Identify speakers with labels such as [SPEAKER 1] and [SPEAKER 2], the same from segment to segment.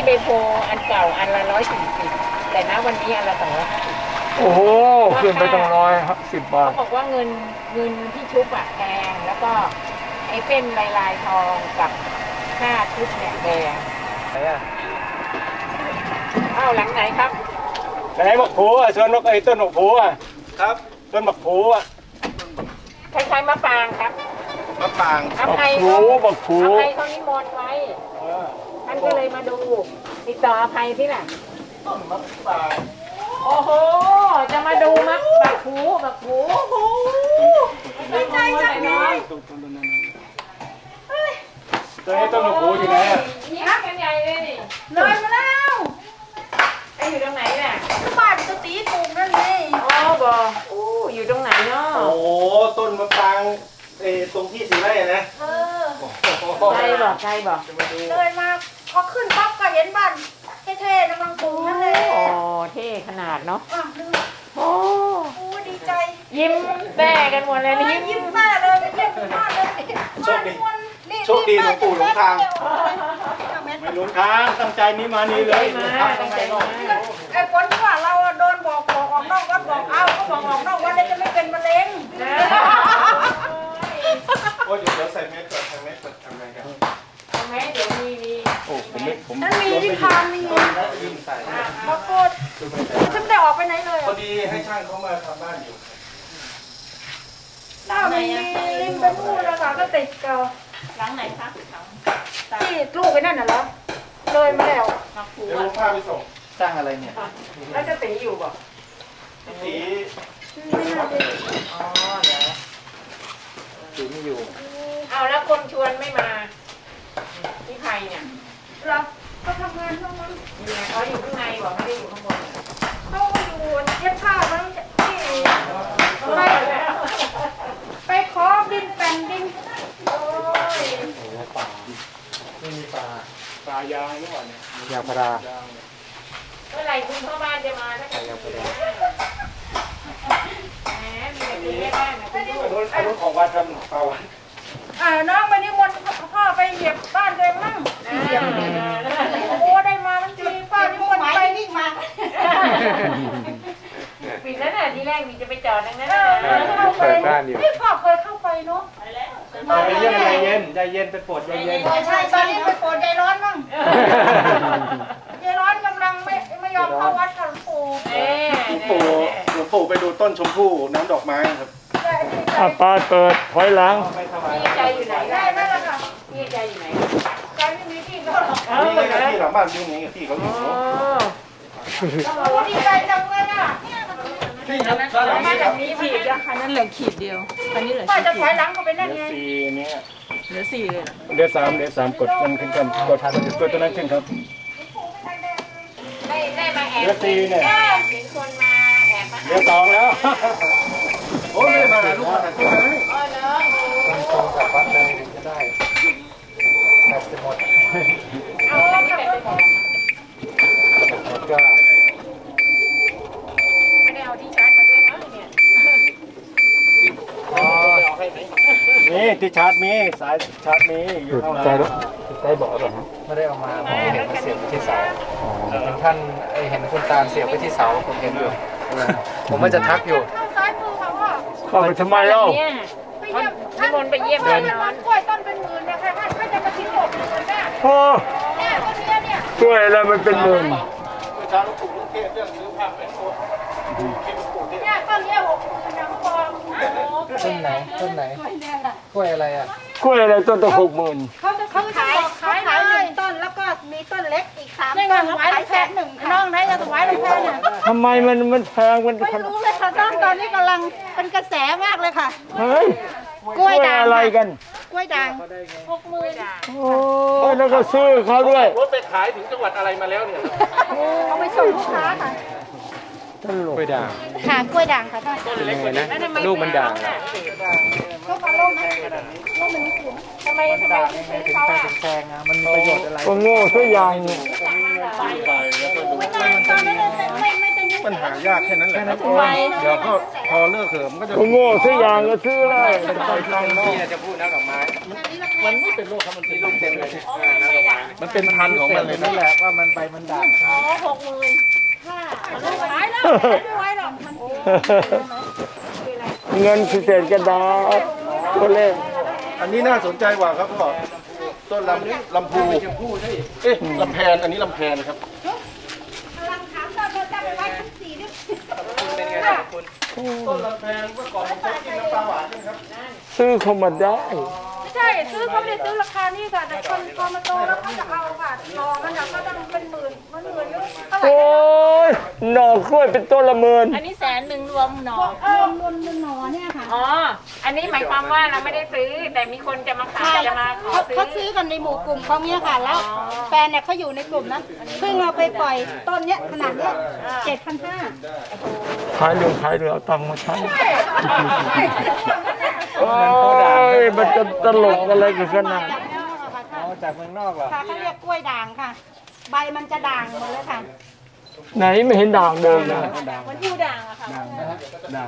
[SPEAKER 1] ใบโพอันเก่าอันละ140แต่ณวันนี้อันละ250
[SPEAKER 2] โอ้โหขึ้นไปตั้ง110 บาท
[SPEAKER 1] เขาบอกว่าเงินที่ชุบอะแพงแล้วก็ไอ้เป็นลายทองกับค่าชุบเนี่ยแพง
[SPEAKER 2] ไหนอ่ะ
[SPEAKER 1] อ้าวหลังไหนครับ
[SPEAKER 2] ไหนบักผูอ่ะส่วนนกไอ้ต้นบักผูอ่ะครับต้นบักผูอ่ะ
[SPEAKER 1] คล้ายๆมะปรางครับ
[SPEAKER 3] มะปราง
[SPEAKER 1] อภัย
[SPEAKER 2] บักผู
[SPEAKER 1] อภัยเขานิมนต์ไว้ท่านก็เลยมาดูติดต่ออภัยที่ไหน
[SPEAKER 3] ต้นมะปราง
[SPEAKER 1] โอ้โหจะมาดูบักผูโอ้โหดีใจจังเลย
[SPEAKER 2] ตัวนี้ต้นบักผูอยู่ไหนอ่ะ
[SPEAKER 1] ยิ้มกันใหญ่เลยนี่
[SPEAKER 4] เลยมาแล้ว
[SPEAKER 1] ไอ้อยู่ตรงไหนน่ะ
[SPEAKER 4] บ้านจะตีปลูกนั่นเลย
[SPEAKER 1] อ๋อบอกอู้อยู่ตรงไหนเนาะ
[SPEAKER 3] โอ้ต้นมะปรางตรงที่สีไร่นะ
[SPEAKER 4] เออ
[SPEAKER 1] ใครบอกใครบอก
[SPEAKER 4] เลยมาพอขึ้นปั๊บก็เห็นบ้านเท่ๆกำลังปลูกนั่นเลย
[SPEAKER 1] โอ้เท่ขนาดเนาะ
[SPEAKER 4] อ่ะดู
[SPEAKER 1] โอ้
[SPEAKER 4] โอ้ดีใจ
[SPEAKER 1] ยิ้มแต้กันหมดเลยนี่
[SPEAKER 4] ยิ้มแม่เลยเยี่ยมมากเลย
[SPEAKER 3] โชคดีโชคดีหลวงปู่หลวงทาง
[SPEAKER 2] ไม่หลงทางตั้งใจนี้มานี่เลย
[SPEAKER 1] มาตั้งใจมา
[SPEAKER 4] ไอ้ฝนที่ว่าเราโดนบอกออกนอกวัดบอกเอาก็บอกออกนอกวัดได้จะไม่เป็นมะเร็ง
[SPEAKER 3] โอ้ยเดี๋ยวใส่แมสก่อนใส่แมสก่อนทำไงกัน
[SPEAKER 1] ทำไมเดี๋ยวมี
[SPEAKER 2] โอ้ผม
[SPEAKER 4] นั่นมีที่คานมี
[SPEAKER 3] ลืมใส่
[SPEAKER 4] ปรากฏฉันไม่ได้ออกไปไหนเลย
[SPEAKER 3] พอดีให้ช่างเขามาทำบ้านอยู่
[SPEAKER 4] หน้ามีริมเป็นนู่นแล้วค่ะก็ติดเก่า
[SPEAKER 1] หลังไหนคะหลัง
[SPEAKER 4] ที่ลูกไอ้นั่นน่ะเหรอเลยมาแล้ว
[SPEAKER 1] มักผู
[SPEAKER 3] เดี๋ยว
[SPEAKER 1] อ่ะ
[SPEAKER 3] ลุงพาไปส่ง
[SPEAKER 2] สร้างอะไรเนี่ย
[SPEAKER 1] แล้วจะตีอยู่บอก
[SPEAKER 3] สี
[SPEAKER 1] อ๋อเดี๋ยว
[SPEAKER 2] อยู่ไม่อยู่
[SPEAKER 1] เอาแล้วคนชวนไม่มาที่ใครเนี่ย
[SPEAKER 4] เหรอก็ทำงานข้างบน
[SPEAKER 1] อยู่ไหนเขาอยู่ข้างในบอกไม่ได้อยู่ข้างบน
[SPEAKER 4] เขาอยู่เย็บผ้ามั้งที่ไปขอดินแผ่นดิน
[SPEAKER 1] โอ้ย
[SPEAKER 2] ป่าไม่มีป่ายางนี่หว่าเนี่ยยางพารา
[SPEAKER 1] เมื่อไหร่คุณพ่อบ้านจะมาถ้าเกิดแหมมีแต่คุณแม่บ้านนะคุณลูก
[SPEAKER 3] อันนู้นของวัดทำเปล่า
[SPEAKER 4] น้องไปนิมนต์พ่อไปเหยียบบ้านเลยมั่งโอ้ได้มามันดีป้านิมนต์ไปนี่มา
[SPEAKER 1] ปิดแล้วน่ะทีแรกมีจะไปจอดดังนั้นน่ะ
[SPEAKER 2] เปิดบ้านอยู่
[SPEAKER 4] นี่พ่อเคยเข้าไปเนาะ
[SPEAKER 2] ไปเยี่ยมใจเย็นใจเย็นไปปวดใจเย็น
[SPEAKER 4] ใช่ตอนนี้ไปโปรดยายร้อนมั่งยายร้อนกำลังไม่ยอมเข้าวัดกับหลวงปู่
[SPEAKER 3] หลวงปู่ไปดูต้นชมพู่น้ำดอกไม้ครับ
[SPEAKER 2] อ่ะป้าเปิดถอยหลัง
[SPEAKER 3] ไม่ถวาย
[SPEAKER 1] พี่ใจอยู่ไหน
[SPEAKER 4] ได้ไหมล่ะค่ะ
[SPEAKER 1] พี่ใจอยู่ไหน
[SPEAKER 4] ใจไม่มีที่ก็หรอก
[SPEAKER 3] นี่ไงที่หลังบ้านอยู่นี่ที่เขาอยู่
[SPEAKER 1] โอ้
[SPEAKER 4] โอ้ดีใจจังเลยอ่ะ
[SPEAKER 3] ที่ครับด้านหลัง
[SPEAKER 1] มา
[SPEAKER 3] นี้ค
[SPEAKER 1] จา
[SPEAKER 3] รั
[SPEAKER 1] ก
[SPEAKER 3] บ
[SPEAKER 1] นี้ผิดอะ
[SPEAKER 5] อันนั้นเหลือขีดเดียว อันนี้เหลือ
[SPEAKER 4] ป้า
[SPEAKER 5] ขีด
[SPEAKER 4] จะ
[SPEAKER 5] เดี
[SPEAKER 4] ถ
[SPEAKER 5] ย
[SPEAKER 4] อ
[SPEAKER 5] วย
[SPEAKER 4] หลังก็ไปนั่นไง
[SPEAKER 2] สี่เนี่ย
[SPEAKER 5] เหลือ4เลยเหรอ
[SPEAKER 2] เดือน3กดมันขึ้นกันกดทันตัวตัวนั้นขึ้นครับ
[SPEAKER 1] ได้มาแอบ
[SPEAKER 2] เดือน4เนี่ย
[SPEAKER 1] เห็นคนมาแอบมา
[SPEAKER 2] เดือน2แล้ว
[SPEAKER 3] โอ้ยไม่ได้มาหาลูกมาหาที่ไหน
[SPEAKER 1] อ๋อเนาะ
[SPEAKER 2] ตรงกับวัดเลยถึงจะได้แบตจะหมด
[SPEAKER 1] เอาอันนี้แบบไปหมด
[SPEAKER 2] หมดก็
[SPEAKER 1] ไม่ได้เอาที่ชาร์จมาด้วยมั้งเนี่ย
[SPEAKER 2] นี่ที่ชาร์จมีสายชาร์จมีอยู่ข้างหลังใต้เบาะเหรอฮะ
[SPEAKER 6] ไม่ได้เอามาผมเห็นมันเสียบไปที่เสาเห็นท่านเห็นคุณตาลเสียบไปที่เสาผมเห็นอยู่ ผมว่าจะทักอยู่
[SPEAKER 4] เข้าซ้ายมือค่ะพ่อ
[SPEAKER 2] เข้าไปทำไมเล่า
[SPEAKER 1] เนี่ย
[SPEAKER 4] ไปเยี่ยม
[SPEAKER 1] นิมนต์ไปเยี่ยม
[SPEAKER 4] ท่า
[SPEAKER 1] แน่
[SPEAKER 4] น
[SPEAKER 1] นอน
[SPEAKER 4] กล้วยต้นเป็นหมื่นเนี่ยใครท่านจะมาทิ้งหมดเลยเนี่ย
[SPEAKER 2] โอ้
[SPEAKER 4] เนี่ยต้นเนี้ยเนี่ย
[SPEAKER 2] ช่วยอะไรมันเป็นหมื่น
[SPEAKER 3] ประชาลูกปู่ลูกเทพเรื่องซื้อผ้าเป็นตัวที่ลูกปู่เทพ
[SPEAKER 4] เนี่ยต้นเนี้ย60,000นะพ่อ
[SPEAKER 6] ต้นไหนต้นไหนกล้วยอะไรอ่ะ
[SPEAKER 2] กล้วยอะไรต้นตั้ง60,000
[SPEAKER 4] เขาขาย1ต้นแล้วก็มีต้นเล็กอีก3ต้นขาย1,000น้องไหนจะถวายหลวงพ่อเนี่ย
[SPEAKER 2] ทำไมมันแพงมัน
[SPEAKER 4] ไม่รู้เลยค่ะตอนนี้กำลังเป็นกระแสมากเลยค่ะ
[SPEAKER 2] เฮ้ย
[SPEAKER 4] กล้วยด่าง
[SPEAKER 2] อะไรกัน
[SPEAKER 4] กล้วยด่าง
[SPEAKER 2] โอ้ยแล้วก็ซื้อเขาด้วย
[SPEAKER 3] รถไปขายถึงจังหวัดอะไรมาแล้วเนี่ย
[SPEAKER 4] เอาไปส่งลูกค้าค่ะ
[SPEAKER 2] ตลก
[SPEAKER 6] กล้วยด่าง
[SPEAKER 4] ค่ะกล้วยด่างค่ะท่าน
[SPEAKER 6] เป็นยังไงนะลูกมันด่างอะ
[SPEAKER 4] ลูกมาลูกไหมลูกมันไม่ถึง
[SPEAKER 1] ทำไมถึงซื้อเขาอ่ะ
[SPEAKER 6] แพงอ่ะมันมีประโยชน์อะไร
[SPEAKER 2] ก็โง่ซะอย่างหนึ่ง
[SPEAKER 4] ไม่นานตอนนั้นไม่เป็นยุ่ง
[SPEAKER 3] มันหายากแค่นั้นแหละครับเดี๋ยวก็พอเลิกเหิมก็จะ
[SPEAKER 2] ก็โง่ซะอย่างก็ซื้อเลย
[SPEAKER 6] พี่จะพูดน้ำดอกไม้
[SPEAKER 4] อันนี้ราคา
[SPEAKER 3] มันไม่เป็นโรคครับมันเป็นโรคเต็มเลย
[SPEAKER 1] อ๋อมันไม่ด่าง
[SPEAKER 3] มันเป็นพันธุ์ของมันเลย
[SPEAKER 6] นั่
[SPEAKER 3] นะ
[SPEAKER 6] นแหละว่ามันใบมันด่าง
[SPEAKER 1] อ๋อ60,000ค่ะ
[SPEAKER 4] ขายแล้วไม่ไหวหรอกมัน
[SPEAKER 2] เงินพิเศษกระดาษตัวเลข
[SPEAKER 3] อันนี้น่าสนใจกว่าครับพ่อต้นลำพูเอ๊ะลำแพนอันนี้ลำแพนครับ
[SPEAKER 4] กำลังถามตอนเธอจะไปไว้ชั้น4ด้วย
[SPEAKER 6] เป็นไงครับคุณ
[SPEAKER 3] ต้นลำแพนเมื่อก่อนผมเคยกินน้ำปลาหวานใช่ไหมครับ
[SPEAKER 2] ซื้อเข้ามาได้
[SPEAKER 4] ไม่ใช่ซื้อเขาไม่ได้ซื้อราคานี้ค่ะแต่คนพอมาโตแล้วเขาจะเอาค่ะหน่อมันก็ต้องเป็นหมื่นมันหมื่นนึงเท่าไหร่
[SPEAKER 2] โอ้ยหน่อกล้วยเป็นต้นละหมื่น
[SPEAKER 1] อันนี้100,000รวมหน่อ
[SPEAKER 4] รวมหน่อเนี่ยค่ะ
[SPEAKER 1] อ๋อ อันนี้หมายความว่าเราไม่ได้ซื้อ แต่มีคนจะมาขายจะมาขอซื้อ
[SPEAKER 4] เขาซื้อกันในหมู่กลุ่มเขาเนี่ยค่ะ แล้วแฟนเนี่ยเขาอยู่ในกลุ่มนะเพิ่งเอาไปปล่อยต้นเนี้ยขนาดเนี้ย7,500
[SPEAKER 2] ขายเรื่องเอาตังค์มาใช้ โอ้
[SPEAKER 6] ด่าง
[SPEAKER 2] ยมันจะตลกอะไรกันขนาด
[SPEAKER 6] เอาจากเมืองนอกเหรอ
[SPEAKER 4] ค่ะเขาเรียกกล้วยด่างค่ะ ใบมันจะด่างหมดเลยค่ะ
[SPEAKER 2] ไหนไม่เห็นด่างเดิมเลย
[SPEAKER 1] มันอยู่ด่างอะค่ะ
[SPEAKER 6] ด่าง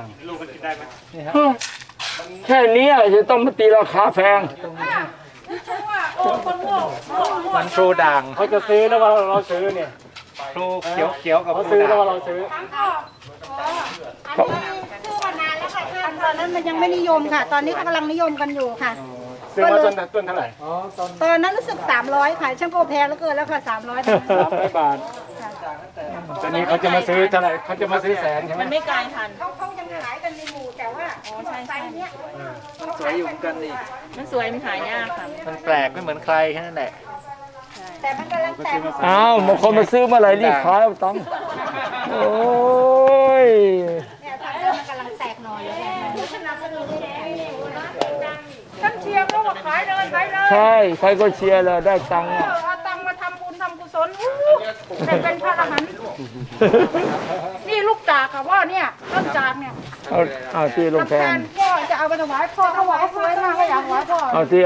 [SPEAKER 2] แค่นี้จะต้องมาตีราคาแพง
[SPEAKER 4] ฉันว่าโอ้คนโง่
[SPEAKER 6] มันพลูด่าง
[SPEAKER 2] เขาจะซื้อแล้วว่าเราซื้อเนี่ย
[SPEAKER 6] พลูเขียวกับพ
[SPEAKER 2] เขา
[SPEAKER 6] ลู
[SPEAKER 2] ซื้อ
[SPEAKER 6] ด่า
[SPEAKER 2] แล้ว
[SPEAKER 6] ง
[SPEAKER 2] ว่าเราซื้อ
[SPEAKER 4] ทั้งก็อันนี้ซื้อมานานแล้วค่ะท่านตอนนั้นมันยังไม่นิยมค่ะ ตอนนี้เขากำลังนิยมกันอยู่ค่ะ
[SPEAKER 2] ซื้อมาต้นเท่าไหร่
[SPEAKER 6] อ๋อตอน
[SPEAKER 4] ตอนนั้นรู้สึก300ค่ะช่างโกแพงแล้วเกินแล้วค่ะ300ตอนนั้น
[SPEAKER 2] 300 บาทตอนนี้เขาจะมาซื้อเท่าไหร่เขาจะมาซื้อ100,000ใช่ไหม
[SPEAKER 1] มันไม่กลายพันธุ์
[SPEAKER 4] เขายังขายกันในหมู่แต่ว่าไซส์เนี้ย
[SPEAKER 6] สวยอยู่เหมือนกันนี่
[SPEAKER 1] มันสวยมันหายากค่ะ
[SPEAKER 6] มันแปลกไม่เหมือนใครแค่นั้นแหละ
[SPEAKER 4] แต่มันกำลังแตก
[SPEAKER 2] อ้าวบางคนมาซื้อเมื่อไหร่รีบขายเอาตังค์โอ้ย
[SPEAKER 4] เนี่ยทางเดินมันกำลังแตกหน่อยเลยขนาดกระดูกแดงฉันเชียร์เขาว่าขายเลยขายเลย
[SPEAKER 2] ใช่ใครก็เชียร์เลยได้ตังค์อะ
[SPEAKER 4] เอาตังค์มาทำบุญทำกุศลแต่เป็นพระอรหันต์นี่ลูกจากค่ะว่าเนี่ยต้นจากเนี่ย
[SPEAKER 2] เอาที่ลงแทน
[SPEAKER 4] พ่อจะเอาไปถวายพ่อเขาบอกว่าสวยมากก็อยากถวายพ่อ
[SPEAKER 2] เอาที่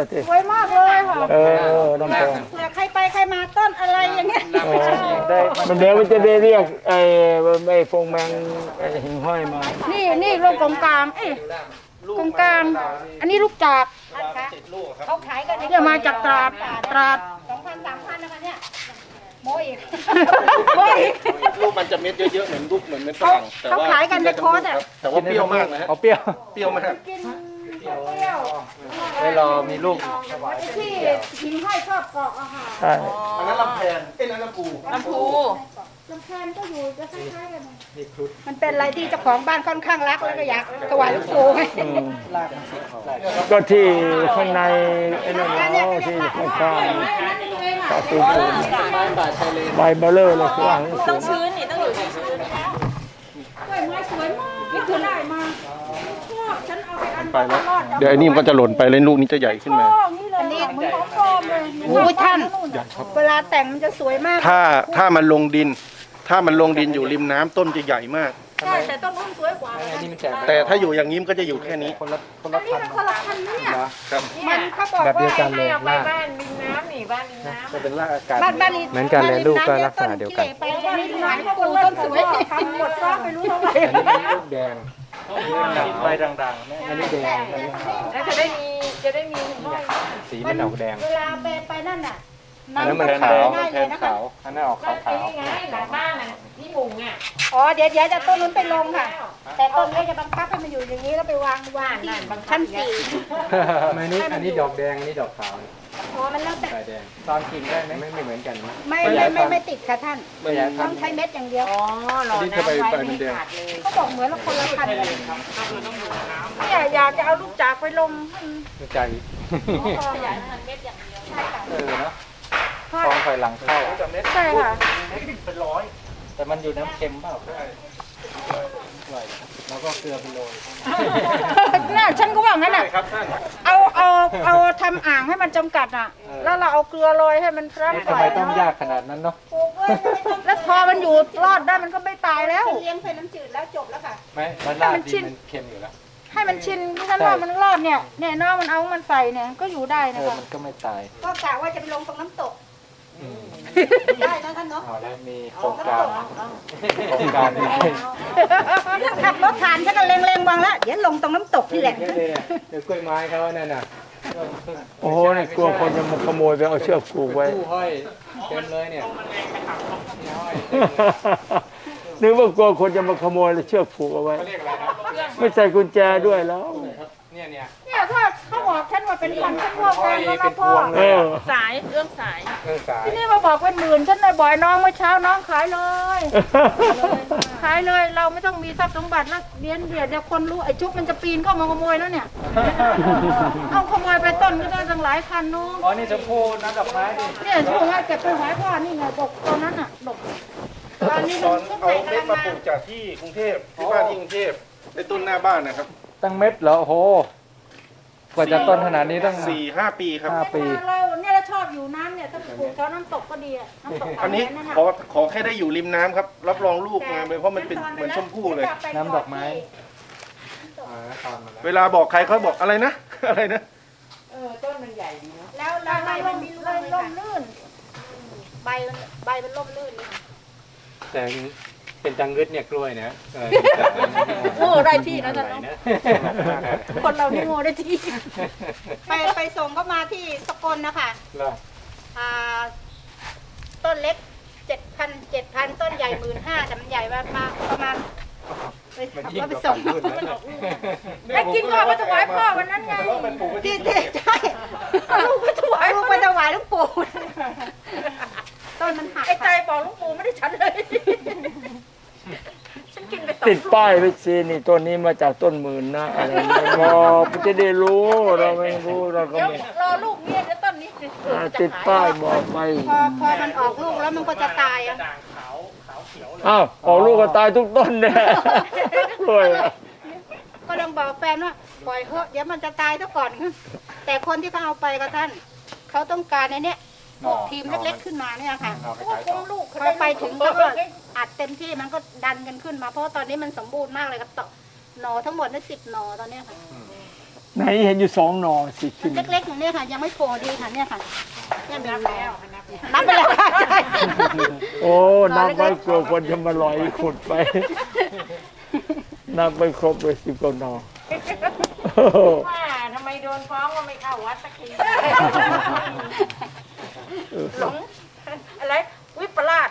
[SPEAKER 4] สวยมากเลยค่ะ
[SPEAKER 2] เออลงแทน
[SPEAKER 4] เผื่อใครไปใครมาต้นอะไรอย่างเงี้ย
[SPEAKER 2] มันเดี๋ยวมันจะได้เรียกไอ้ฟงแมงไอ้หิ่งห้อยมา
[SPEAKER 4] นี่ลงกงกลางกงกลาง อันนี้ลูกจากเขาขายกันเนี่ยมาจากตราด2,000 3,000นะคะเนี่ยโมอีกโมอีก
[SPEAKER 3] ลูกมันจะเม็ดเยอะๆเหมือนลูกเหมือนเม็ดฝรั่งแต่
[SPEAKER 4] เขา
[SPEAKER 3] ว่า
[SPEAKER 4] ขายกันในคอร์สอ่ะ
[SPEAKER 3] แต่ว่าเปรี้ยวมากนะฮะ
[SPEAKER 6] เอาเปรี้ยว
[SPEAKER 3] เปรี้ยวมาก
[SPEAKER 4] กินเปรี้ยว
[SPEAKER 6] ไว้รอมีลูก
[SPEAKER 4] ที่หิงห้อยชอบเกาะอะค่ะ
[SPEAKER 2] ใช่
[SPEAKER 3] อันนั้นลำแพนนั่นลำพู
[SPEAKER 1] ลำพู
[SPEAKER 4] ลำแพนก็อยู่จะคล้ายๆกันนะมันเป็นอะไรที่เจ้าของบ้านค่อนข้างรักแล้วก็อยากถวายหลวงปู่
[SPEAKER 2] อืมก็ที่ข้างในไอ้นั่นเนาะที่ข้างๆตาปูปู
[SPEAKER 6] ไม้ป่าชายเลน
[SPEAKER 2] ใบเบลเลอร์เลยคือว่า
[SPEAKER 1] ต้องชื้นนี่ต้องอยู่ที่ชื้น
[SPEAKER 4] กล้วยไม้สวยมากนี่คือได้มาฉันเอาไปอัน
[SPEAKER 3] ไปแล้วเดี๋ยวไอ้นี่มันก็จะหล่นไปเลยลูกนี้จะใหญ่ขึ้นมา
[SPEAKER 4] อันนี้เหมือนของปลอมเลยโอ้ยท่านเวลาแต่งมันจะสวยมาก
[SPEAKER 3] ถ้ามันลงดิน ถ้ามันลงดินอยู่ริมน้ำต้นจะใหญ่มาก
[SPEAKER 4] ใช่แต่ต้นนู้นสวยกว่า
[SPEAKER 6] อันนี้มันแจก
[SPEAKER 3] แต่ถ้าอยู่อย่างนี้มันก็จะอยู่แค่นี้
[SPEAKER 6] คนละ
[SPEAKER 4] อันนี้
[SPEAKER 6] พัน
[SPEAKER 4] มันคนละพันเนี่ย
[SPEAKER 3] ครับ
[SPEAKER 4] มันเขาบอก
[SPEAKER 6] แบบเดียว
[SPEAKER 4] ว่า
[SPEAKER 6] กันเลย
[SPEAKER 1] เอาไป
[SPEAKER 6] ลาก
[SPEAKER 1] บ้านริมน้ำนี่บ้านริมน้ำ
[SPEAKER 6] จะเป็นรากอากาศ
[SPEAKER 4] บ้านนี้
[SPEAKER 6] เหมือนกันเลยลูกก็ลักษณะเดียวกัน
[SPEAKER 4] ไปบ้านนี้หลายคนต้นสวยทำหมดซ้อไม่รู้เท่าไหร่
[SPEAKER 6] อันนี้เป็นลูกแดงใบด่างๆแม่อันนี้แดง
[SPEAKER 1] แล้วจะได้มีห้อย
[SPEAKER 6] สีมันออกแดง
[SPEAKER 4] เวลาไปนั่นน่ะ
[SPEAKER 6] อันนั้นมันขาวมันแทนขาวอันนั้นออก
[SPEAKER 1] แล้ว
[SPEAKER 6] ขาว
[SPEAKER 1] นี่ไงหลังบ้านน่ะที่มุงอ่ะ
[SPEAKER 4] อ๋อเดี๋ยวจะต้นนู้นไปลงค่ะ แต่ต้นนี้จะบังคับให้มันอยู่อย่างนี้แล้วไปวางที่ชั้น4
[SPEAKER 6] ๆอันนี้ดอกแดงอันนี้ดอกขาว
[SPEAKER 4] อ๋อมันแล้วแต่
[SPEAKER 6] สายแดงตอนกินได้ไหมไม่เหมือนกัน
[SPEAKER 4] ไม่ติดค่ะท่าน
[SPEAKER 6] ไม่อยาก
[SPEAKER 4] ต้อง
[SPEAKER 6] ทำ
[SPEAKER 4] ใช้เม็ดอย่างเดียว
[SPEAKER 1] อ๋อหล่อน้ำไว้ไม่ขาดเลย
[SPEAKER 4] เขาบอกเหมือนละคนละพันเลยเนี่ยอยากจะเอาลูกจากไปลง
[SPEAKER 6] ใจ
[SPEAKER 1] อยากให้มันเม็ดอย่างเดียว
[SPEAKER 6] เนาะฟองไฟหลังเข้า
[SPEAKER 4] ใช่ค่ะ
[SPEAKER 6] แต่มันอยู่น้ำเค็มเปล่าแล้วก็เกลือไปโรย
[SPEAKER 4] น่ะฉันก็ว่างั้นอ่ะเอาทำอ่างให้มันจำกัดอ่ะ แล้วเราเอาเกลือโรยให้มันรับ
[SPEAKER 6] ทำไมต้องยากขนาดนั้นเนาะ
[SPEAKER 4] แล้วพอมันอยู่รอดได้มันก็ไม่ตายแล้วเลี้ยงใส่น้ำจืดแล้วจบแล้วค่ะ
[SPEAKER 6] ไม่มันราดดีมันเค็มอยู่แล้ว
[SPEAKER 4] ให้มันชินฉันว่ามันรอดเนี่ยน้องมันเอามันใส่เนี่ยก็อยู่ได้นะคะ
[SPEAKER 6] มันก็ไม่ตาย
[SPEAKER 4] ก็กะว่าจะไปลงตรงน้ำตกได้นะท่านเนาะ
[SPEAKER 6] เอาแล้วมีโครงการนี้
[SPEAKER 4] ขับรถผ่านฉันก็เล็งๆวางแล้วเดี๋ยวลงตรงน้ำตกนี่แหละ
[SPEAKER 6] เดี๋ยวกล้วยไม้เขาเนี่ยน่ะ
[SPEAKER 2] โอ้โหนี่กลัวคนจะมาขโมยไปเอาเชือกผูกไว้
[SPEAKER 6] ตู้ห้อยเต็มเลยเนี่ยห้อย
[SPEAKER 2] นึกว่ากลัวคนจะมาขโมยแล้วเชือกผูกเอาไว้
[SPEAKER 6] เขาเรียกอะไรนะ
[SPEAKER 2] ไม่ใส่กุญแจด้วยแล้ว
[SPEAKER 6] เนี่ย
[SPEAKER 4] เนี่ยถ้าเขาบอกฉันว่าเป็นพันฉันว่าแพงแล้วนะพ่อ
[SPEAKER 2] เออ
[SPEAKER 5] สายเรื่องสาย
[SPEAKER 6] สาย
[SPEAKER 4] ที่นี่มาบอกเป็นหมื่นฉันเลยบ่อยน้องเมื่อเช้าน้องขายเลย ขายเลยเราไม่ต้องมีทรัพย์สมบัติแล้วเดี๋ยวคนรู้ไอ้จุ๊บมันจะปีนเข้ามาขโมยแล้วเนี่ย เอาขโมยไปต้นก็ได้ตั้งหลายพันนู้น
[SPEAKER 6] อ๋อนี่ชมพู่น้ำดอกไม้ดิ
[SPEAKER 4] เนี่ยช่วงว่าเก็บไปหอยพ่อนี่ไงดกตอนนั้นอ่ะดกตอนนี้
[SPEAKER 3] ต
[SPEAKER 4] มั
[SPEAKER 3] อน
[SPEAKER 4] นก็
[SPEAKER 3] เอา
[SPEAKER 4] ใส่ก
[SPEAKER 3] เม็ด
[SPEAKER 4] ระ
[SPEAKER 3] มา
[SPEAKER 4] มั
[SPEAKER 3] ปลู
[SPEAKER 4] ง
[SPEAKER 3] กจากที่กรุงเทพที่บ้านที่กรุงเทพในต้นหน้าบ้านนะครับ
[SPEAKER 6] ตั้งเม็ดเหรอโอ้โหกว่าจะต้นขนาดนี้ต้อง
[SPEAKER 3] 4-5 ปีครับ
[SPEAKER 6] 5 ปี
[SPEAKER 4] เราเนี่ยเราชอบอยู่น้ำเนี่ยถ้าไปปลูกแถวน้ำตกก็ดีอะน้ำตก
[SPEAKER 3] อันนี้
[SPEAKER 4] นั่นน่ะ
[SPEAKER 3] ขอแค่ได้อยู่ริมน้ำครับ รับรองลูกงามเลยเพราะมันเป็นเหมือนชมพู่เลย
[SPEAKER 6] น้ำดอกไม้
[SPEAKER 3] เวลาบอกใครเขาบอกอะไรนะ อะไรนะ
[SPEAKER 1] ต้นมันใหญ่ดีเนาะ
[SPEAKER 4] แล้วใบมันล่มลื่นใบมันล่มลื่นนี่ค่ะ
[SPEAKER 6] แต่เป็นจังงึดเนี่ยกล้วยนะ
[SPEAKER 5] โอ้ได้ที่นะท่าน
[SPEAKER 6] นะ
[SPEAKER 4] คนเรานี่โง่ได้ที่ไปส่งก็มาที่สกลนะคะ
[SPEAKER 6] เหรอ
[SPEAKER 4] อ่าต้นเล็ก7,000 ต้นใหญ่15,000แต่มันใหญ่มาประมาณไป
[SPEAKER 6] มัน
[SPEAKER 4] ขับ
[SPEAKER 6] ยิ่ง
[SPEAKER 4] รถไป
[SPEAKER 6] กว่า
[SPEAKER 4] ส่ง
[SPEAKER 6] ฝั่งนู้นนะ
[SPEAKER 4] ให้กินก่อนมาถวายพ่อวันนั้นไงที่ใช่ลูกไปถวายหลวงปู่ต้นมันหัก
[SPEAKER 5] ไอ้ใจบอกหลุงปู่ไม่ได้ฉันเลย ฉันกินไปสอง
[SPEAKER 2] ติดป้ายไว้สินี่ต้นนี้มาจากต้นหมื่นนะอะไรอย่างเงี้ยบอกจะได้รู้เราไม่รู้เราก็
[SPEAKER 5] เดี๋ยว
[SPEAKER 2] ไม่
[SPEAKER 5] รอลูกเมียเดี๋ยวต้นนี้
[SPEAKER 2] ติดป้ายบอกไป
[SPEAKER 4] พอมันออกลูกแล้วมันก็จะตายอ่ะ
[SPEAKER 2] อ้าวออกลูกก็ตายทุกต้นเนี่ยกล้วยอะ
[SPEAKER 4] ก็ต้องบอกแฟนว่าปล่อยเถอะเดี๋ยวมันจะตายซะก่อน แต่คนที่เขาเอาไปก็ท่านเขาต้องการในเนี้ยพวกทีมเล็กๆขึ้นมาเนี่ยค่ะ
[SPEAKER 5] คุ้มลูก
[SPEAKER 4] พอไปถึงเขาก็อัดเต็มที่มันก็ดันกันขึ้นมาเพราะว่าตอนนี้มันสมบูรณ์มากเลยครับต่อหน่อทั้งหมดนี่10 หน่อตอนเนี้ยค่ะ
[SPEAKER 2] ไหนเห็นอยู่2 หน่อสิขึ้น
[SPEAKER 4] เล็กๆอย่างเนี้ยค่ะ ยังไม่โผล่ดีค่ะเนี่ยค่ะเนี่ยมีหน่อนับไปแล้วค่ะใช่
[SPEAKER 2] โอ้นับไว้กลัวคนจะมาลอยขุดไปนับไปครบเลย10 กว่าหน่อ
[SPEAKER 1] ว่าทำไมโดนฟ้องว่าไม่เข้าวัดสักทีหลงอะไรวิปลาส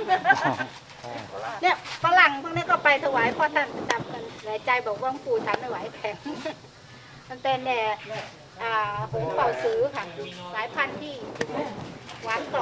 [SPEAKER 4] เนี่ยฝรั่งพวกนี้ก็ไปถวายพ่อท่านประจำกันหลายใจบอกว่าหลวงปู่ฉันไม่ไหวแข็งมันเป็นหงส์เป่าซื้อค่ะสายพันธุ์ที่หวานกรอบ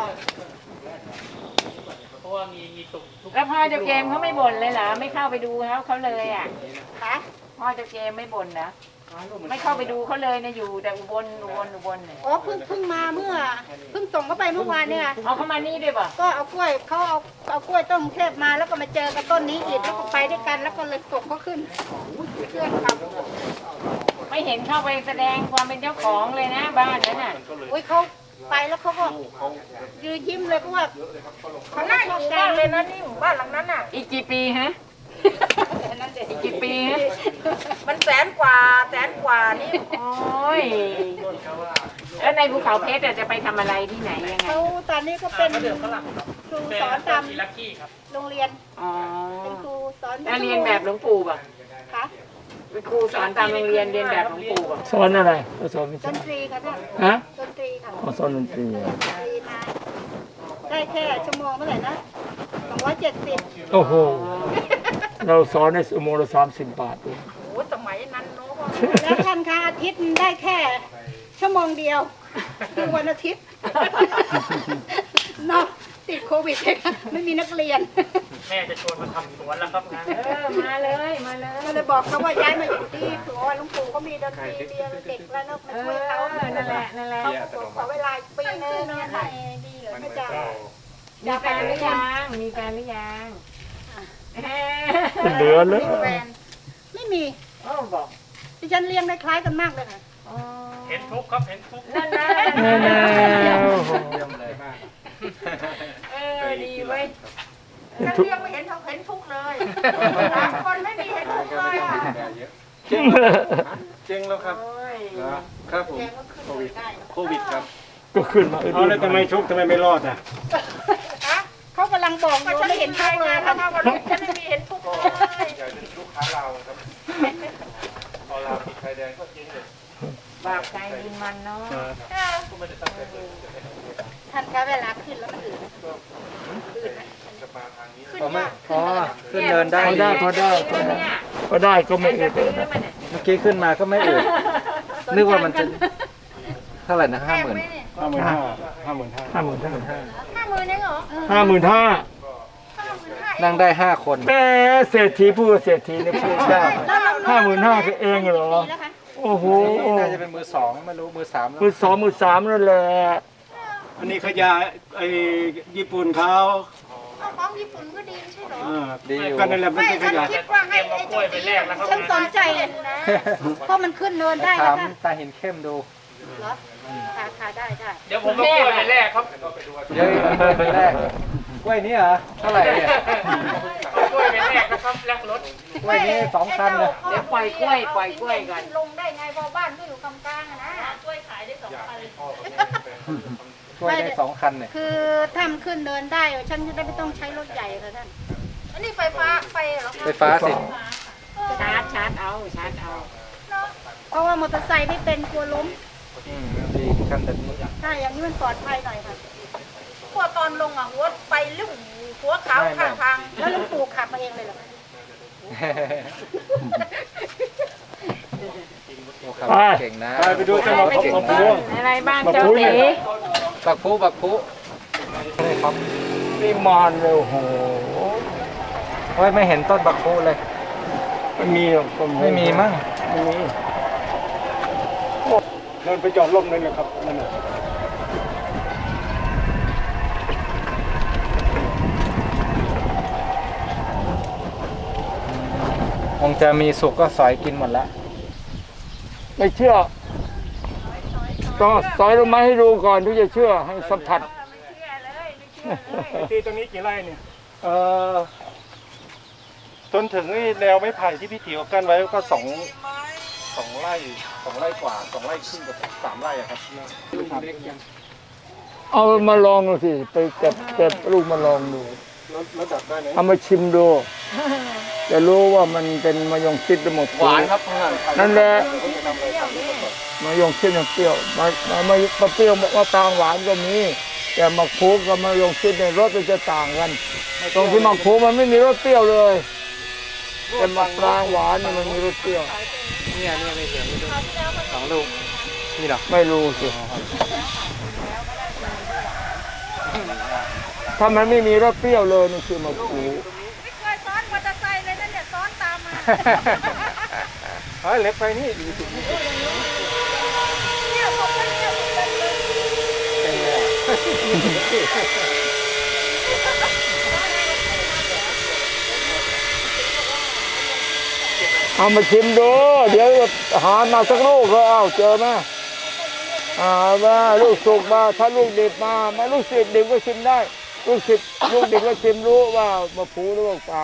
[SPEAKER 1] แล้วพ่อเจ้าเกมเขาไม่บ่นเลยเหรอไม่เข้าไปดูเขาเลยอ่ะ
[SPEAKER 4] ค่ะ
[SPEAKER 1] พ่อเจ้าเกมไม่บ่นนะไม่เข้าไปดูเขาเลยนะอยู่แต่อุบลเนี่ย
[SPEAKER 4] อ๋อเพิ่งมาเพิ่งส่งเขาไปเมื่อวานเนี่ยค่ะ
[SPEAKER 1] เอาเข้ามานี่ด้วยป่ะ
[SPEAKER 4] ก็เอากล้วยเขาเอากล้วยต้นกรุงเทพมาแล้วก็มาเจอกับต้นนี้อีกแล้วก็ไปด้วยกันแล้วก็เลยส่งเขาขึ้นเพื่อนครับ
[SPEAKER 1] ไม่เห็นเข้าไปแสดงความเป็นเจ้าของเลยนะบ้านนั้นน่ะ
[SPEAKER 4] อุ้ยเขาไปแล้วเขาก็ยืนยิ้มเลยเพราะว่า
[SPEAKER 5] เขาน่าอยู่มากเลยนะนี่หมู่บ้านหลังนั้นน่ะ
[SPEAKER 1] อีกกี่ปีฮะ
[SPEAKER 4] นั่นเด็ก
[SPEAKER 1] กี่ปีฮะ
[SPEAKER 5] มันแสนกว่านี่
[SPEAKER 1] โอ้ยแล้วในภูเขาเพชรจะไปทำอะไรที่ไหนยังไง
[SPEAKER 4] เขาตอนนี้ก็เป็นครูสอนตามโรงเรียน
[SPEAKER 1] อ๋อ
[SPEAKER 4] เป็นครูสอน
[SPEAKER 1] แล้วเรียนแบบหลวงปู่ป่ะ
[SPEAKER 4] ค่ะ
[SPEAKER 1] เป็นครูสอนตามโรงเรียนเรียนแบบหลวงปู่ป่ะ
[SPEAKER 2] สอนอะไรเขาสอนไม่
[SPEAKER 4] ด
[SPEAKER 2] ใช่
[SPEAKER 4] นตรีค่ะท่าน
[SPEAKER 2] ฮะ
[SPEAKER 4] ดนตรีค่ะ
[SPEAKER 2] เขาสอนดนตรี
[SPEAKER 4] ดนตรีมาได้แค่ชั่วโมงเท่าไหร่นะ270
[SPEAKER 2] โอ้โหเราสอนในชั่วโมงละ30 บาทเอง
[SPEAKER 5] โอ้สมัยนั้นเนาะ
[SPEAKER 4] แล้วท่านคะอาทิตย์ได้แค่ชั่วโมงเดียวคือวันอาทิตย์เนาะติดโควิดไม่มีนักเรียน
[SPEAKER 1] เออมาเลยมาเลย
[SPEAKER 4] ก็เลยบอกเขาว่าย้ายมาอยู่ที่ถือว่าหลวงปู่เขามีดนตรีเรียนเด็กแล้วเนอะมาช่วยเขา
[SPEAKER 1] นั่นแหละนั่นแหละ
[SPEAKER 4] เขาขอเวลาปีนึงเนี่ยค่ะไม่จะ
[SPEAKER 1] มีแฟนหรือยังมีแฟนหรือยัง
[SPEAKER 2] เหลือเลย
[SPEAKER 4] มีแฟนไม่มี
[SPEAKER 1] โอ้บอก
[SPEAKER 4] ดิฉันเลี้ยงได้คล้ายกันมากเลยค่ะ
[SPEAKER 1] เห็นทุกครับเห็นทุกนั่นนะ
[SPEAKER 2] แน่ๆโอ้โห
[SPEAKER 6] เยี่ยมเลยมาก
[SPEAKER 1] ดีเว้ย
[SPEAKER 4] ฉันเลี้ยงไม่เห็นเขาเห็นทุกเลยคนไม่มีเห็นทุกเลยอ่ะ
[SPEAKER 3] เจ๊งแล้วครับ ครับผม
[SPEAKER 4] แกก็ขึ้นเลยได้
[SPEAKER 3] โควิดครับ
[SPEAKER 2] ก็ขึ้นมา
[SPEAKER 7] เอาแล้วทำไมชุกทำไมไม่รอดอ่ะ
[SPEAKER 4] เขากำลังบอกอยู่ไม่เห็นทุกเลยค่ะ
[SPEAKER 5] ฉันไม่มีเห็นทุกเลย
[SPEAKER 3] อยากเป็นลูกค้าเราครับพอเราติดไฟแดงก็เจ๊งเลย
[SPEAKER 4] ม
[SPEAKER 1] บาปใครบุญมันเนาะ
[SPEAKER 4] ท่านคะเวลาขึ้นแล้วมันอืดขึ้นยาก
[SPEAKER 6] อ๋อขึ้นเดินได้
[SPEAKER 2] พอ
[SPEAKER 6] ดี
[SPEAKER 2] ได้ก็ได้ก็ไม่อึด
[SPEAKER 6] เมื่อกี้ขึ้นมาก็ไม่อืดนึกว่ามันจะเท่าไหร่นะ
[SPEAKER 4] แพงไหมเนี่ย
[SPEAKER 7] 55,000 55,000
[SPEAKER 4] 50,000เองเหรอ
[SPEAKER 2] 55,000
[SPEAKER 6] นั่งได้5 คน
[SPEAKER 2] แม่เศรษฐีพูดเศรษฐีเนี่ยพูดได้55,000คือเองเหรอ
[SPEAKER 4] ปีแล้วคะ
[SPEAKER 2] โอ้โห
[SPEAKER 6] น่าจะเป็นมือ2ไม่รู้มือ3แล้ว
[SPEAKER 2] มือสองมือสามนั่นแหละ
[SPEAKER 7] อันนี้ขยะไอ้ญี่ปุ่นเขา
[SPEAKER 4] เอาของญี่ปุ่นก็ดีไม่ใช่เหรอ
[SPEAKER 6] ดีอยู่
[SPEAKER 7] ก็นั่นแหละมัน
[SPEAKER 4] ไม่
[SPEAKER 7] เป็นข
[SPEAKER 4] ฉัน
[SPEAKER 7] ยะ
[SPEAKER 4] คิดว่าให้ไอ้เจ้าตีฉันสนใจนะเพราะมันขึ้นเนินได้
[SPEAKER 6] ถา
[SPEAKER 4] นะ
[SPEAKER 6] ม
[SPEAKER 4] คะ
[SPEAKER 6] ตาเห็นเข้มดู
[SPEAKER 4] เหรอค่ะได้
[SPEAKER 6] เดี๋ยวผมเอากล้วยไปแลกครับเดี๋ยวไปแลกกล้วยนี้เหรอเท่าไหร่เนี่ยกล้วยไปแลกนะครับแลกรถกล้วยนี้2,000เลย
[SPEAKER 1] เดี๋ยวปล่อยกล้วยก่อน
[SPEAKER 4] ลงได้ไงพอบ้านก็อยู่กลางๆอะนะ
[SPEAKER 5] กล้วยขายได้2,000
[SPEAKER 6] กล้วยได้2 คันเนี่ย
[SPEAKER 4] คือถ้ามันขึ้นเดินได้ฉันจะได้ไม่ต้องใช้รถใหญ่ค่ะท่าน
[SPEAKER 5] อันนี้ไฟฟ้าไฟเหรอ
[SPEAKER 6] ไฟฟ้าสิ
[SPEAKER 1] ชาร์จเอา
[SPEAKER 4] เพราะว่ามอเตอร์ไซค์ไม่เป็นกลัวล้ม
[SPEAKER 6] ดีคันแบบนี้
[SPEAKER 4] ถ้าอย่างนี้มันปลอดภัยหน่อยค่ะ
[SPEAKER 5] พวกตอนลงอ่ะหัวไฟลุ่มหัวขาวข้างทาง
[SPEAKER 4] แล้วลุงปู่ขับมาเองเลยเหรอ
[SPEAKER 6] โอ้ครับเก่งนะ
[SPEAKER 7] ไปดูจังหวะ
[SPEAKER 6] เก่ง
[SPEAKER 7] ของ
[SPEAKER 6] นะ
[SPEAKER 7] พวง
[SPEAKER 1] อะไรบ้างเจ้าตี
[SPEAKER 6] บักพุครับ
[SPEAKER 2] นี่มานเลยโอ้โห
[SPEAKER 6] โอ้ยไม่เห็นต้นบักพุเลย
[SPEAKER 2] ไม่มีหรอกก็
[SPEAKER 6] ไม่มีมั้ง
[SPEAKER 2] ไม่มี
[SPEAKER 7] เดินไปจอดร่มนั่นแหละครับนั่นน่ะ
[SPEAKER 6] คงจะมีสุกก็สอยกินหมดละ
[SPEAKER 2] ไม่เชื่อต้องสอยลงมาให้ดูก่อนถึงจะเชื่อให้สัมผัส
[SPEAKER 7] ที่ตรงนี้กี่ไร่เนี่ย
[SPEAKER 3] จนถึงไอ้แนวไม้ไผ่ที่พี่ติ๋วกั้นไว้ก็สองไร่กว่า2 ไร่ครึ่งกับ3 ไร่อะครับ
[SPEAKER 2] เอามาลองดูสิไปเก็บลูกมาลองดู
[SPEAKER 3] แล้วดับได้ไหม
[SPEAKER 2] เอามาชิมดูจะรู้ว่ามันเป็นมะยงชิดหรือหมด
[SPEAKER 3] หวานครับนั่น
[SPEAKER 2] นั่นแหละมะยงชิดมันเปรี้ยวมะเปรี้ยวมะตางหวานก็มีแต่มะพร้าวกับมะยงชิดในยรสมันจะต่างกันตรงที่มะพร้าวมันไม่มีรสเปรี้ยวเลยแต่มะปรางหวานเนี่ยมันมีรสเปรี้ยว
[SPEAKER 6] เนี่ยไม่เห็นไม่ดู2 ลูกนี่เหรอ
[SPEAKER 2] ไม่รู้สิถ้ามันไม่มีรสเปรี้ยวเลยนี่คือมะพร้าว
[SPEAKER 5] ไม่เคยซ้อนมอเตอร์ไซค์เลยนั่นเนี่ยซ้อนตามมา
[SPEAKER 6] เฮ้ยเล็กไปนี่
[SPEAKER 5] เนี่ยผมก็เนี่ยผมก็เนี่ย
[SPEAKER 2] เอามาชิมดูเดี๋ยวหามาสักลูกก็เอาเจอไหมมาลูกสุกมาถ้าลูกดิบมาลูกศิษย์ดิบก็ชิมได้ลูกดิบก็ชิมรู้ว่ามะพร้าวหรือมะปราง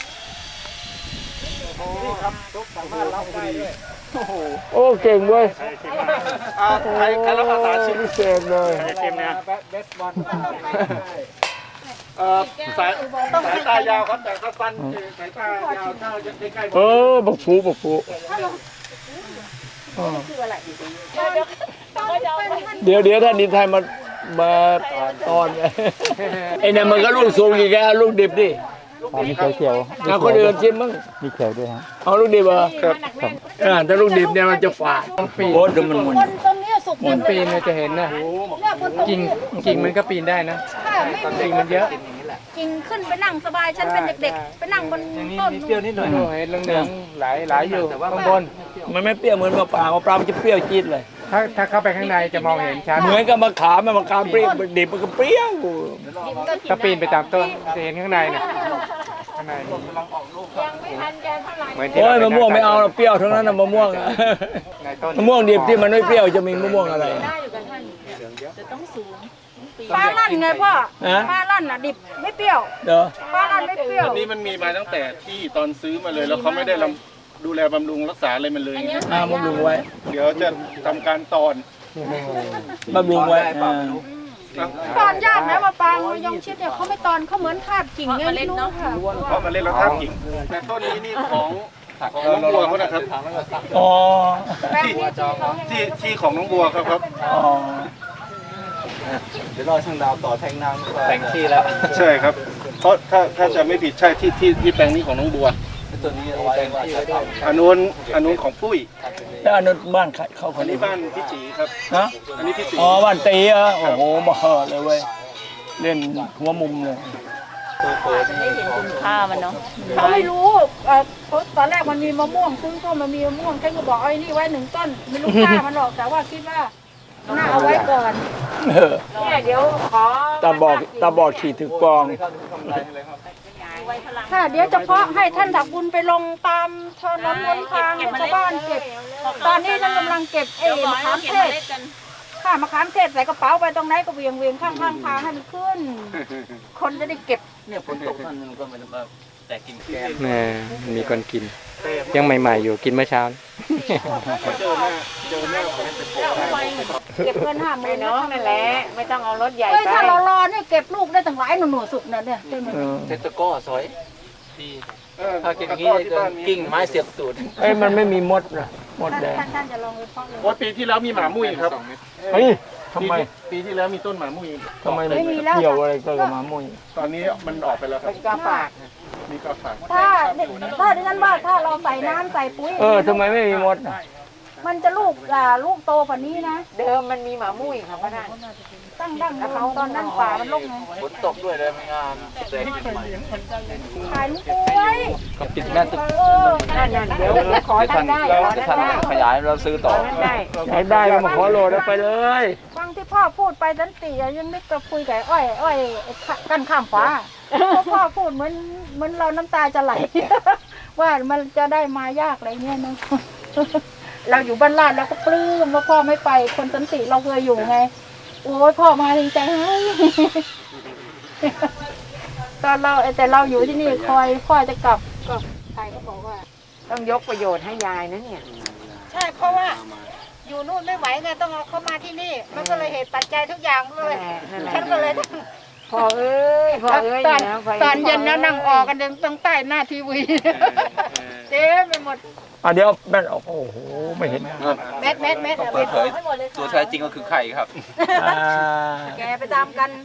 [SPEAKER 2] โอ้เก่งเว้ย
[SPEAKER 3] ใครรับภาษาชิม
[SPEAKER 2] พิเศษเลย
[SPEAKER 7] เต็มเนี่ย
[SPEAKER 6] เบสบอล
[SPEAKER 3] สายตายาวครับแต่ถ้าสั้นสายตายาวถ้าใกล้ๆ
[SPEAKER 2] บักผูเดี๋ยวท่านดินไทยมาตอนไอ้เนี่ยมันก็ลูกสูงอีกแล้วลูกดิบดิ
[SPEAKER 6] มีเขียว
[SPEAKER 2] เอาคนอื่นชิมมั้ง
[SPEAKER 6] มีเขียวด้วยฮะ
[SPEAKER 2] เอาลูกดิบเหรอครับถ้าลูกดิบเนี่ยมันจะฝาดโอ้เดี๋ยวมันหมด
[SPEAKER 4] คนตรงนี้สุก
[SPEAKER 6] มันปีนเนี่ยจะเห็นนะ
[SPEAKER 4] เนี่ยคนตรง
[SPEAKER 6] กิ่ง
[SPEAKER 4] นี้
[SPEAKER 6] กิ่งมันก็ปีนได้นะ
[SPEAKER 4] ค่ะไม่
[SPEAKER 6] กิ่งมันเยอะ
[SPEAKER 5] กิ่งขึ้นไปนั่งสบายฉันเป็นเด็กๆ ไปนั่งบนต้น
[SPEAKER 6] นิดเดียวนิดหน่อยเห็นเหลืองๆหลายอยู่ข้างบน
[SPEAKER 2] มันไม่เปรี้ยวเหมือนมะปรางมันจะเปรี้ยวจี๊ดเลย
[SPEAKER 6] ถ้าเข้าไปข้างในจะมองเห็นชัด
[SPEAKER 2] เหมือนกับมะขามเปรี้ยวดิบมันก็เปรี้ยว
[SPEAKER 6] ถ้าปีนไปตามต้นจะเห็นข้างในเนี่ยข้างใน
[SPEAKER 1] ยังไม่ทันแกเท่าไหร่
[SPEAKER 6] เหมือนที่
[SPEAKER 2] โอ้ย
[SPEAKER 6] เรา
[SPEAKER 2] มะม่วงไม่เอาหรอกเปรี้ยวทั้งนั้นนะมะม่วง
[SPEAKER 6] ในต้น
[SPEAKER 2] มะม่วงดิบที่มันไม่เปรี้ยวจะมีมะม่วงอะไร
[SPEAKER 1] ได้อยู่กับท่านจะต้องสูง
[SPEAKER 5] ฟ้าลั่นไงพ่อ
[SPEAKER 2] ฮะ
[SPEAKER 5] ฟ้าลั่นน่ะดิบไม่เปรี้ยว
[SPEAKER 2] เด้อ
[SPEAKER 5] ฟ้าลั่นไม่เปรี้ยว
[SPEAKER 3] อันนี้มันมีมาตั้งแต่ที่ตอนซื้อมาเลยแล้วเขาไม่ได้ดูแลบำรุงรักษาอะไรมันเลย
[SPEAKER 2] บำรุงไว้
[SPEAKER 3] เดี๋ยวจะทำการตอน
[SPEAKER 2] บำรุงไว้
[SPEAKER 5] ตอนยากนะมะปรางมะยงชิดเนี่ยเขาไม่ตอนเขาเหมือนคาบกิ่งไงไม่รู้ค่ะ
[SPEAKER 3] เพราะมันเล่นแล้วท่ากิ่งแต่ต้นนี้นี่ของน้องบัวเขานะครับ
[SPEAKER 2] อ๋อ
[SPEAKER 3] ที่ของน้องบัวครับ
[SPEAKER 2] อ๋อ
[SPEAKER 6] เดี๋ยวรอช่างดาวต่อแทงน้ำแต่งที่แล้ว
[SPEAKER 3] ใช่ครับ เพราะถ้าจะไม่ผิดใช่ที่แปลงนี้ของน้องบัว
[SPEAKER 6] ตัวนี้เอาไว้ว่าจะทำ
[SPEAKER 3] อันนู้นของปุ้ย
[SPEAKER 2] แล้วอันนั้นบ้านใครเขาค
[SPEAKER 3] อั
[SPEAKER 2] น
[SPEAKER 3] น
[SPEAKER 2] นี้
[SPEAKER 3] นี้บ้านพี่จีครับ
[SPEAKER 2] นะ
[SPEAKER 3] อันนี้พี่จี
[SPEAKER 2] อ๋อบ้านตีเหรอโอ้โหมาเหอะเลยเว้ยเล่นหัวมุมเลย
[SPEAKER 1] ไม่เห็นคุณค่ามันเนาะ
[SPEAKER 4] เขาไม่รู้เพราะตอนแรกมันมีมะม่วงซื้อก็มันมีมะม่วงแค่ก็บอกไอ้นี่ไว้1 ต้นไม่รู้ค่ามันหรอกแต่ว่าคิดว่าน่าเอาไว้ก่อน
[SPEAKER 2] เออ
[SPEAKER 1] เนี่ยเดี๋ยวขอ
[SPEAKER 2] ตาบอดขี่ถือกลอง
[SPEAKER 4] ค่ะเดี๋ยวเฉพาะให้ท่านถักบุญไปลงตามถนนหนทางให้ชาวบ้านเก็บ ตอนนี้ท่านกำลังเก็บมะขามเทศค่ะมะขามเทศใส่กระเป๋าไปตรงไหนก็เวียงข้างทางให้มันขึ้น คนจะได้เก็บ
[SPEAKER 6] เนี่ยฝนตกมันก็ไม่ได้มาแต่กินแกง
[SPEAKER 8] แม่มีคนกิน ยังใหม่ๆอยู่กินเมื่อเช้า
[SPEAKER 4] เก็บเงิน
[SPEAKER 1] ไป
[SPEAKER 4] 50,000
[SPEAKER 1] น้องนั่นแหละไม่ต้องเอารถใหญ่
[SPEAKER 4] เฮ้ย
[SPEAKER 1] ไป
[SPEAKER 4] ถ้าเรารอเนี่ยเก็บลูกได้ตั้งหลายหน่วยสุดนะเนี่ย
[SPEAKER 2] เออ
[SPEAKER 6] เซตโก้สวยดีถ้ากินอย่างนี้จะกิ่งไม้เสียบตูด
[SPEAKER 2] เอ้ยมันไม่มีมดนะมดแดง
[SPEAKER 4] ท่านจะลองไปเพาะเลย
[SPEAKER 3] ว่าปีที่แล้วมีหมามุ้ยครับ
[SPEAKER 2] เฮ้ยทำไม
[SPEAKER 3] ปีที่แล้วมีต้นหมามุ้ย
[SPEAKER 2] ทำไมไม่เกี่ยวอะไรกับหมามุ้ย
[SPEAKER 3] ตอนนี้มันออกไปแล้วครั
[SPEAKER 1] เป็
[SPEAKER 3] บ
[SPEAKER 1] นกาฝาก
[SPEAKER 3] มีกระฝาก
[SPEAKER 4] ถ้าดิฉันว่าถ้าเราใส่น้ำใส่ปุ๋ย
[SPEAKER 2] ทำไมไม่มีมดน่ะ
[SPEAKER 4] มันจะลูกโตกว่านี้นะ
[SPEAKER 1] เดิมมันมีหมามุ้ยค่ะพ่อนั่น
[SPEAKER 4] ตั้งดั้งเขาตอนนั้นป่ามันลกไง
[SPEAKER 6] ฝนตกด้วยเลยไม่งามแต่
[SPEAKER 4] ขายลูกกล้วย
[SPEAKER 6] ก็ปิดแม่ตึก
[SPEAKER 1] นั่นเดี๋ยวขอท่านได้ขอท่านได้
[SPEAKER 6] ขยายเราซื้อต่อ
[SPEAKER 1] ท่านได้
[SPEAKER 2] อยากได้ก็มาขอโหลดแล้วไปเลย
[SPEAKER 4] ฟังที่พ่อพูดไปสันติยังนึกกับคุยกับอ้อยกันข้ามฟ้าเพราะพ่อพูดเหมือนเราน้ำตาจะไหล ว่ามันจะได้มายากอะไรเงี้ยนะ เราอยู่บ้านลาดเราก็ปลื้มว่าพ่อไม่ไปคนสันติเราเคยอยู่ไง โอ้ยพ่อมาดีใจให้ ตอนแต่เราอยู่ที่นี่คอยพ่อจะกลับก็ใครก็บอกว่า
[SPEAKER 1] ต้องยกประโยชน์ให้ยายนะเนี่ย
[SPEAKER 4] ใช่เพราะว่า อยู่นู่นไม่ไหวไงต้องเอาเข้ามาที่นี่ มันก็เลยเหตุปัจจัยทุกอย่างเลย
[SPEAKER 1] นั่นแหละ
[SPEAKER 4] ฉันก็เลย
[SPEAKER 1] พ่อเอ้ยพ่อเอ้ย
[SPEAKER 4] ตอนเย็นแล้วนั่งออกกันตรงใต้หน้าทีวีเต็มไปหมด
[SPEAKER 2] เดี๋ยวแม่นออกโอ้โหไม่เห็น
[SPEAKER 4] เม็ดเอาไปเผยให้หมดเลย
[SPEAKER 6] ตัวแท้จริงก็คือไข่ครับ
[SPEAKER 4] แกไปตามกัน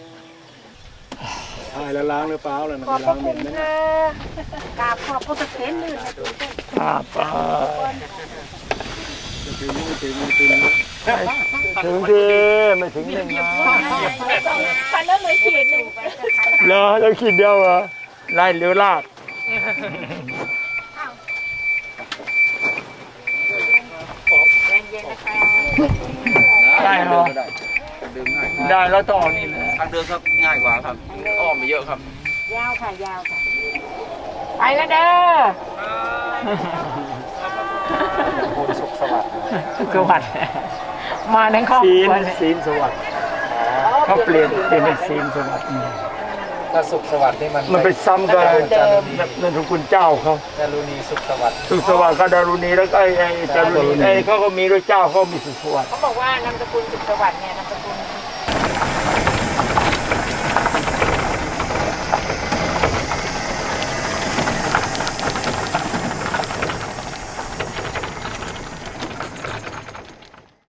[SPEAKER 7] ใช่แล้วล้างหรือเปล่าแล้วนะ
[SPEAKER 4] ขอบพระ
[SPEAKER 7] ล้าง
[SPEAKER 4] คุ
[SPEAKER 7] เม็
[SPEAKER 4] ณ
[SPEAKER 7] ดนะ
[SPEAKER 4] ค่ะกราบขอบพระเถรลื่นนะ
[SPEAKER 2] ไปถึงทีไม่ถึงนะ
[SPEAKER 4] คันนั้นเลยขีดหนึ่ง
[SPEAKER 2] เหรอแล้วขีดเดียวเหรอไล่เลี้ยวลาก
[SPEAKER 1] เย็นนะคะ
[SPEAKER 2] ได้เหรอได้แล้วต่อนี่นะ
[SPEAKER 6] ทางเดินครับง่ายกว่าครับ อ้อมไปเยอะครับ
[SPEAKER 1] ยาวค่ะยาวค่ะ ไปแล้วเด้อ
[SPEAKER 6] คุณสุขสวัสดิ์
[SPEAKER 2] สวัสดิ์
[SPEAKER 1] มาทั้งครอบครัวเลย
[SPEAKER 2] ศีลสวัสดิ์เขาเปลี่ยนเป็นศีลสวัสดิ์
[SPEAKER 6] ถ้าสุขสวัสดิ์นี่มัน
[SPEAKER 2] มันไปซ้ำกับนั่นทุกคุณเจ้าเขา
[SPEAKER 6] ดารุณีสุขสวัสดิ์
[SPEAKER 2] สุขสวัสดิ์ก็ดารุณีแล้วก็ไอ้จารุณีเขาก็มีด้วยเจ้าเขามีสุขสวัสดิ์
[SPEAKER 1] เขาบอกว่านามสกุลสุขสวัสดิ์เนี่ยนามสกุล